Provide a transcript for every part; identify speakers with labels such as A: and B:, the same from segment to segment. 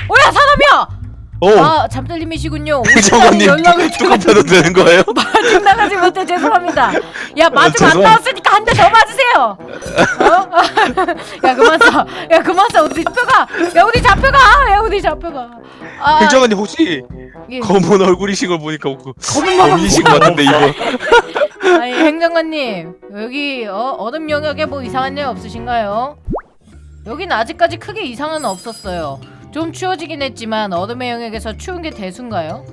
A: 오야 사람이야.
B: 오.
A: 아 잠들님이시군요.
B: 행정관님
A: 연락을
B: 뚝뚝하셔도 되는 거예요?
A: 마중 나가지 못해 죄송합니다. 야 마중 안 나왔으니까 한 대 더 맞으세요. 어? 야 그만 쏴. 야 그만 쏴. 어디 잡혀가. 야 어디 잡혀가. 야 어디 잡혀가. 아,
B: 행정관님 혹시
A: 예.
B: 검은 얼굴이신 걸 보니까
A: 검은
B: 범인이신 것 같은데 이거.
A: 아니 행정관님 여기 얼음 영역에 뭐 이상한 일 없으신가요? 여긴 아직까지 크게 이상은 없었어요. 좀 추워지긴 했지만 얼음의 영역에서 추운 게 대수인가요?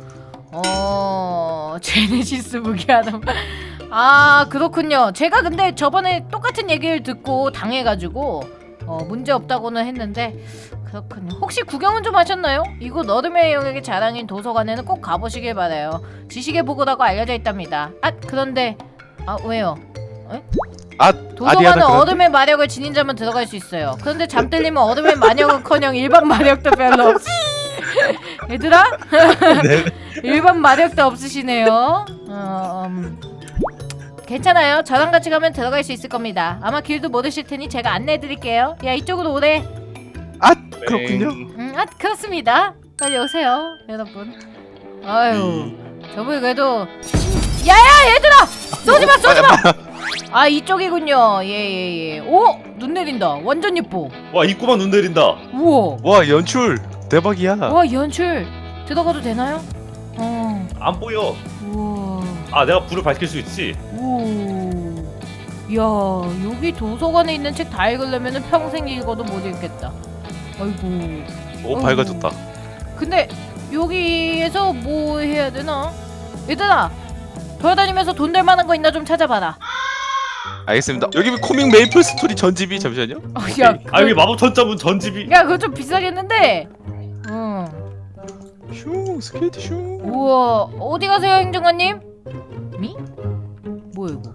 A: 제네시스 무기하다. 아 그렇군요. 제가 근데 저번에 똑같은 얘기를 듣고 당해가지고 문제 없다고는 했는데 그렇군요. 혹시 구경은 좀 하셨나요? 이곳 얼음의 영역의 자랑인 도서관에는 꼭 가보시길 바라요. 지식의 보고라고 알려져 있답니다. 아 그런데 왜요? 에? 도서관은 얼음의 마력을 지닌 자만 들어갈 수 있어요. 그런데 잠들림은 얼음의 마력은커녕 일반 마력도 별로 없이 얘들아?
B: 네.
A: 일반 마력도 없으시네요. 괜찮아요. 저랑 같이 가면 들어갈 수 있을 겁니다. 아마 길도 모르실 테니 제가 안내해드릴게요. 야 이쪽으로 오래.
B: 그렇군요.
A: 그렇습니다. 빨리 오세요 여러분. 아유 저분이 그래도 야야 얘들아 쏘지마 쏘지마. 아 이쪽이군요. 예예예. 오! 눈 내린다. 완전 예뻐.
C: 와 입구만 눈 내린다.
A: 우와.
B: 와 연출 대박이야.
A: 와 연출. 들어가도 되나요?
C: 안 보여.
A: 우와.
C: 아 내가 불을 밝힐 수 있지.
A: 오. 야 여기 도서관에 있는 책 다 읽으려면은 평생 읽어도 못 읽겠다. 아이고.
B: 오 밝아졌다.
A: 근데 여기에서 뭐 해야 되나? 얘들아 돌아다니면서 돈 될 만한 거 있나 좀 찾아봐라.
B: 알겠습니다. 여기 코믹 메이플 스토리 전집이 잠시만요.
A: 야,
C: 여기 마법 전자문 전집이.
A: 야 그거 좀 비싸겠는데.
B: 슝 스케이트 슝.
A: 우와 어디 가세요 행정관님? 미? 뭐야 이거?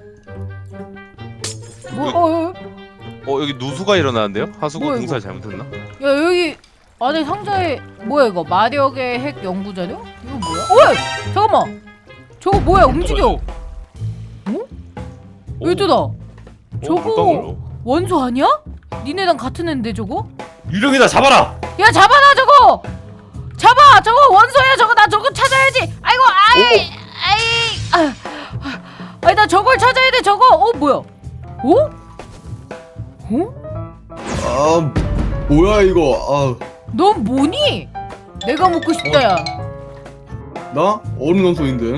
A: 뭐?
B: 여기 누수가 일어나는데요? 하수구
A: 뭐야,
B: 공사 잘못했나?
A: 야 여기 안에 상자에 뭐야 이거? 마력의 핵 연구 자료? 이거 뭐야? 어이! 잠깐만. 저거 뭐야 움직여? 얘들아 저거 원소 아니야? 니네랑 같은 앤데 저거?
C: 유령이다 잡아라.
A: 야 잡아라 저거! 잡아! 저거 원소야 저거 나 저거 찾아야지! 아이고 아이 나 저걸 찾아야 돼 저거! 뭐야?
D: 뭐야 이거?
A: 넌 뭐니? 내가 먹고 싶다 야.
D: 나 얼음 원소인데.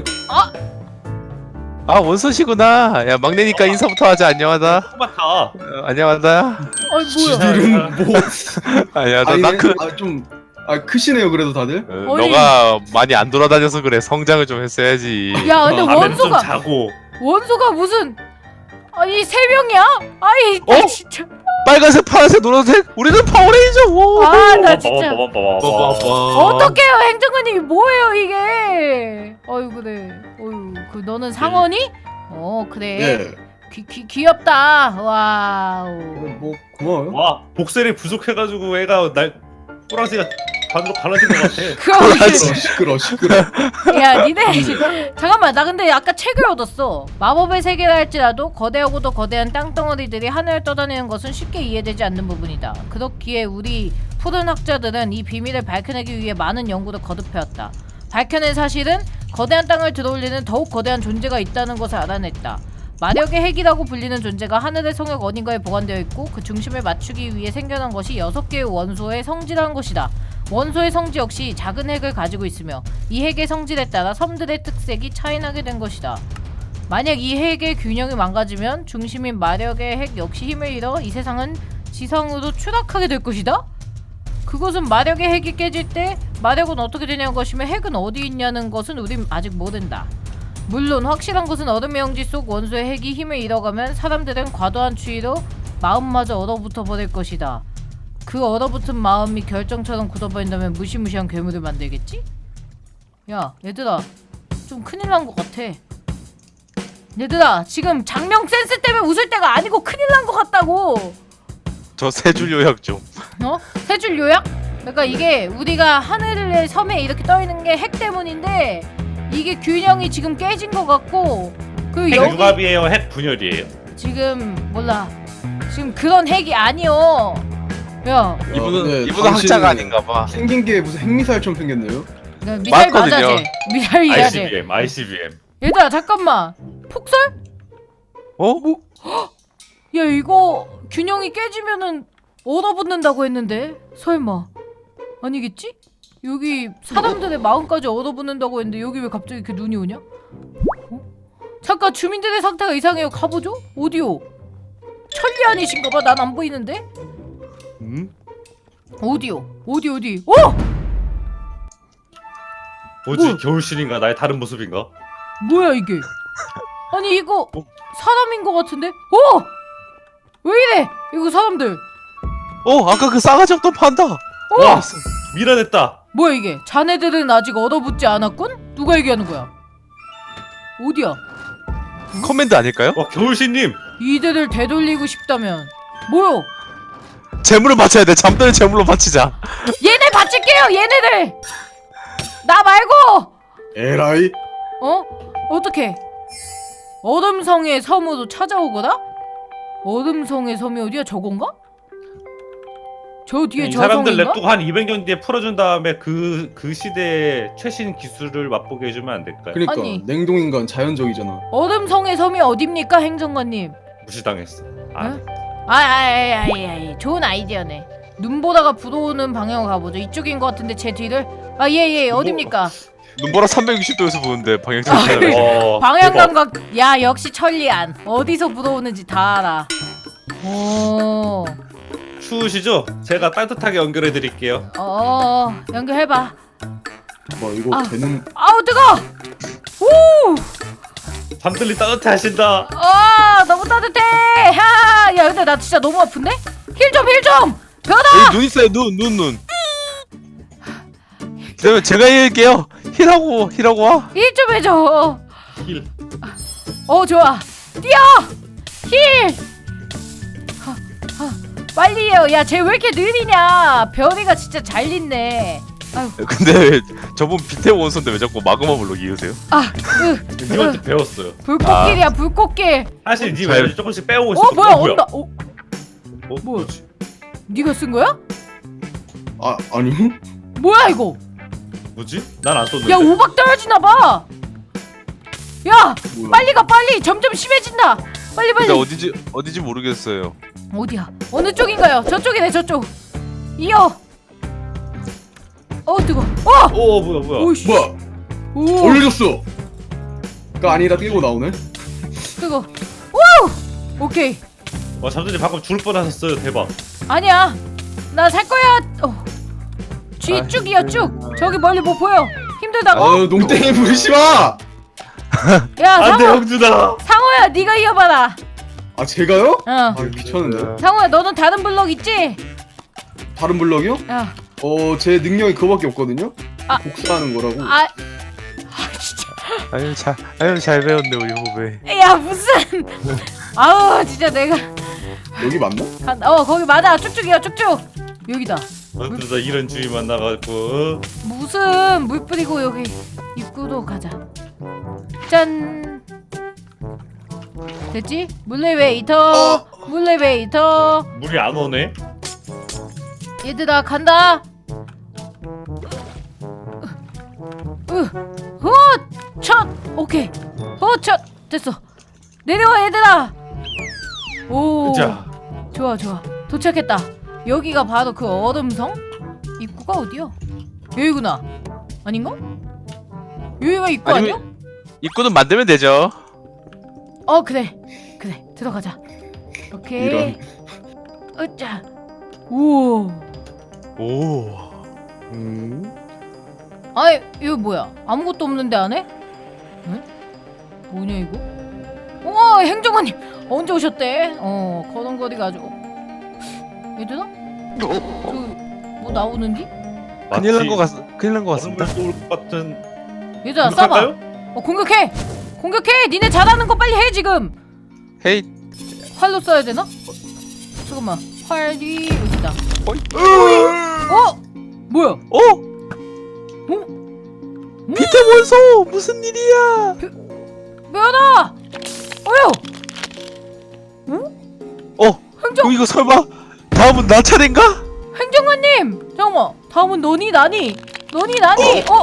B: 원서시구나. 야 막내니까 인사부터 하자. 안녕하다.
C: 토마타.
B: 안녕하다.
A: 뭐야?
D: 이름 뭐?
B: 아니야
D: 아니,
B: 나크.
D: 좀 크시네요 그래도 다들.
A: 아니.
B: 너가 많이 안 돌아다녀서 그래. 성장을 좀 했어야지.
A: 야 근데
C: 밤에는 좀
A: 원소가
C: 자고.
A: 원소가 무슨 아니 세 명이야? 아이 나 진짜
B: 빨간색, 파란색, 노란색. 우리는 파워레인저. 오.
A: 나 진짜
C: 빠바바바바바.
A: 어떡해요 행정관님이 뭐예요 이게? 어유 그래. 어유 그 너는 상원이? 그래.
D: 예.
A: 귀엽다. 와우.
D: 뭐 고마워요.
C: 와 복셀이 부족해가지고 애가 날 또랑새가 반으로 갈라진 것 같아.
A: 그럼
D: 시끄러.
A: 야 니네 잠깐만 나 근데 아까 책을 얻었어. 마법의 세계라 할지라도 거대하고도 거대한 땅덩어리들이 하늘을 떠다니는 것은 쉽게 이해되지 않는 부분이다. 그렇기에 우리 푸른 학자들은 이 비밀을 밝혀내기 위해 많은 연구를 거듭해왔다. 밝혀낸 사실은 거대한 땅을 들어올리는 더욱 거대한 존재가 있다는 것을 알아냈다. 마력의 핵이라고 불리는 존재가 하늘의 성역 어딘가에 보관되어 있고 그 중심을 맞추기 위해 생겨난 것이 6개의 원소의 성질이라는 것이다. 원소의 성질 역시 작은 핵을 가지고 있으며 이 핵의 성질에 따라 섬들의 특색이 차이나게 된 것이다. 만약 이 핵의 균형이 망가지면 중심인 마력의 핵 역시 힘을 잃어 이 세상은 지상으로 추락하게 될 것이다. 그것은 마력의 핵이 깨질 때 마력은 어떻게 되냐는 것이며 핵은 어디 있냐는 것은 우린 아직 모른다. 물론 확실한 것은 얼음의 영지 속 원소의 핵이 힘을 잃어가면 사람들은 과도한 추위로 마음마저 얼어붙어 버릴 것이다. 그 얼어붙은 마음이 결정처럼 굳어버린다면 무시무시한 괴물을 만들겠지? 야 얘들아 좀 큰일 난 것 같아. 얘들아 지금 장명 센스 때문에 웃을 때가 아니고 큰일 난 것 같다고.
B: 저 세 줄 요약 좀.
A: 세 줄 요약? 그러니까 이게 우리가 하늘의 섬에 이렇게 떠있는 게 핵 때문인데 이게 균형이 지금 깨진 것 같고 그
C: 핵
A: 여기
C: 융합이에요. 핵 분열이에요.
A: 지금 몰라 지금 그런 핵이 아니요. 야,
B: 이분은
D: 당신
B: 학자가 아닌가봐.
D: 생긴 게 무슨 핵미사일처럼 생겼네요.
A: 나 미사일 맞아
B: 맞거든요.
A: 쟤. 미사일이야 쟤.
C: ICBM.
A: 얘들아 잠깐만. 폭설?
B: 어?
A: 야 이거 균형이 깨지면은 얼어붙는다고 했는데 설마 아니겠지? 여기 사람들의 마음까지 얼어붙는다고 했는데 여기 왜 갑자기 이렇게 눈이 오냐? 어? 잠깐 주민들의 상태가 이상해요. 가보죠. 어디요? 천리 아니신가봐. 난 안 보이는데. 어디요? 어디? 어?
C: 뭐지?
A: 뭐?
C: 겨울신인가? 나의 다른 모습인가?
A: 뭐야 이게? 아니 이거 사람인 것 같은데? 어? 왜 이래? 이거 사람들.
B: 아까 그 싸가지 없던 판다.
C: 와, 밀어냈다.
A: 뭐야 이게? 자네들은 아직 얼어붙지 않았군? 누가 얘기하는 거야? 어디야?
B: 커맨드 아닐까요?
C: 와, 겨울신님.
A: 이들을 되돌리고 싶다면 뭐요?
B: 재물을 바쳐야 돼. 잠들을 재물로 바치자.
A: 얘네 바칠게요 얘네들! 나 말고!
D: 에라이.
A: 어? 어떻게? 얼음성의 섬으로 찾아오거라? 얼음성의 섬이 어디야? 저건가? 저 뒤에
C: 이
A: 저
C: 사람들
A: 성인가?
C: 냅두고 한 200년 뒤에 풀어준 다음에 그 시대의 최신 기술을 맛보게 해주면 안 될까요?
D: 그러니까
A: 아니.
D: 냉동인간 자연적이잖아.
A: 얼음성의 섬이 어딥니까 행정관님?
C: 무시당했어.
A: 응? 아이 좋은 아이디어네. 눈보다가 불어오는 방향으로 가보죠. 이쪽인 것 같은데 제 뒤를. 아 예 어딥니까?
B: 눈보라 360도에서 보는데 방향 좀
A: 아,
B: 달라요.
A: 방향
C: 대박.
A: 감각. 야 역시 천리안. 어디서 불어오는지 다 알아. 오.
C: 추우시죠? 제가 따뜻하게 연결해 드릴게요.
A: 연결해봐.
D: 뭐 이거
A: 아.
D: 되는
A: 아우 뜨거. 우.
C: 잠들리 따뜻해 하신다.
A: 너무 따뜻해. 야 근데 나 진짜 너무 아픈데? 힐 좀. 변화.
B: 여기 눈 있어요. 눈. 그러면 제가 해볼게요. 힐하고 와.
A: 힐 좀 해줘.
C: 힐.
A: 좋아. 뛰어. 힐. 빨리요. 야, 쟤 왜 이렇게 느리냐? 별이가 진짜 잘 있네. 아유,
B: 근데 저분 비태 원소인데 왜 자꾸 마그마 블록 이으세요?
C: 님한테 배웠어요.
A: 불꽃길이야, 불꽃길.
C: 사실 님
B: 잘-
C: 에너지 조금씩 빼오고 있어.
A: 뭐야, 온다.
C: 뭐야?
A: 뭐지? 네가 쓴 거야?
D: 아니요?
A: 뭐야 이거?
C: 뭐지? 난 안 썼는데.
A: 야, 오박 떨어지나 봐. 야,
D: 뭐야?
A: 빨리 가, 빨리. 점점 심해진다. 빨리.
B: 근데 어디지 모르겠어요.
A: 어디야? 어느 쪽인가요? 저쪽이네, 저쪽. 이어. 뜨거.
C: 오 뭐야?
A: 오이씨.
D: 뭐야?
A: 오,
D: 올려줬어. 가 아니라 뛰고 나오네.
A: 뜨거. 오, 오케이.
C: 와 잠들이 방금 죽을 뻔하셨어요. 대박.
A: 아니야. 나 살 거야. 쥐 쭉이야 쭉. 저기 멀리 뭐 보여? 힘들다고?
D: 농땡이 부리지 마.
A: 야
C: 안돼
A: 상호.
C: 형준아.
A: 상호야 네가 이어봐라.
D: 제가요?
A: 어.
D: 귀찮은데.
A: 상호야 너는 다른 블럭 있지?
D: 다른 블럭이요?
A: 야.
D: 제 능력이 그거밖에 없거든요.
A: 아.
D: 복사하는 거라고.
A: 진짜.
B: 잘 배웠네 우리 후배.
A: 야 무슨. 아우 진짜 내가.
D: 여기 맞나?
A: 거기 맞아. 쭉쭉이야 쭉쭉. 여기다.
C: 그러다 이런 주의 만나가지고.
A: 무슨 물 뿌리고 여기 입구로 가자. 짠. 됐지? 물레웨이터. 물레웨이터.
C: 물이 안 오네.
A: 얘들아 간다. 첫 오케이. 첫 됐어. 내려와 얘들아. 오.
C: 자.
A: 좋아 도착했다. 여기가 바로 그 얼음성? 입구가 어디야? 여기구나. 아닌가? 여기가 입구 아니야?
B: 입구는 만들면 되죠.
A: 그래 들어가자. 오케이.
D: 이런.
A: 으짜. 오. 아이 이거 뭐야? 아무것도 없는데 안에? 응? 뭐냐 이거? 우와 행정관님 언제 오셨대? 걸음걸이가 아주. 얘들아? 저뭐 나오는디?
B: 큰일 난 것 같습니다.
C: 올 것 같은.
A: 얘들아
C: 공격할까요?
A: 쏴봐. 공격해. 니네 잘하는 거 빨리 해 지금.
B: 헤이.
A: 활로 쏴야 되나? 잠깐만. 활이 여기다. 뭐야?
B: 비태 원소 무슨 일이야?
A: 면아! 어휴! 행정!
B: 이거 설마 다음은 나 차례인가?
A: 행정관님! 잠깐만, 다음은 너니 나니? 너니 나니? 어?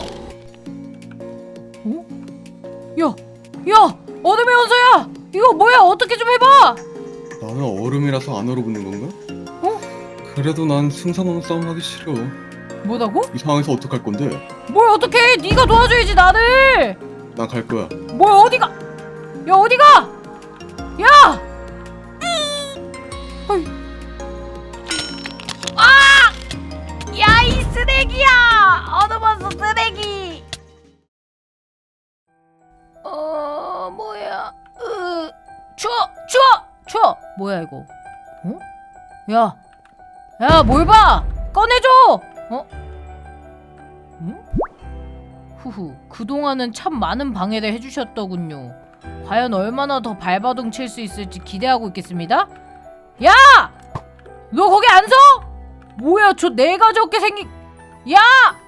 A: 야! 야! 어둠의 원소야! 이거 뭐야? 어떻게 좀 해봐!
D: 나는 얼음이라서 안 얼어붙는 건가?
A: 어?
D: 그래도 난 승산없는 싸움 하기 싫어.
A: 뭐라고?
D: 이 상황에서 어떡할 건데?
A: 뭘 어떡해! 네가 도와줘야지 나를!
D: 난 갈 거야.
A: 뭘 어디가? 야 어디가? 야! 어이. 아! 야 이 쓰레기야! 얻어봤어 쓰레기! 뭐야? 추워! 뭐야 이거? 어? 야 뭘 봐! 꺼내줘! 어? 응? 후후, 그동안은 참 많은 방해를 해주셨더군요. 과연 얼마나 더 발버둥 칠 수 있을지 기대하고 있겠습니다. 야! 너 거기 안 서? 뭐야 저 내가 적게 생긴... 야!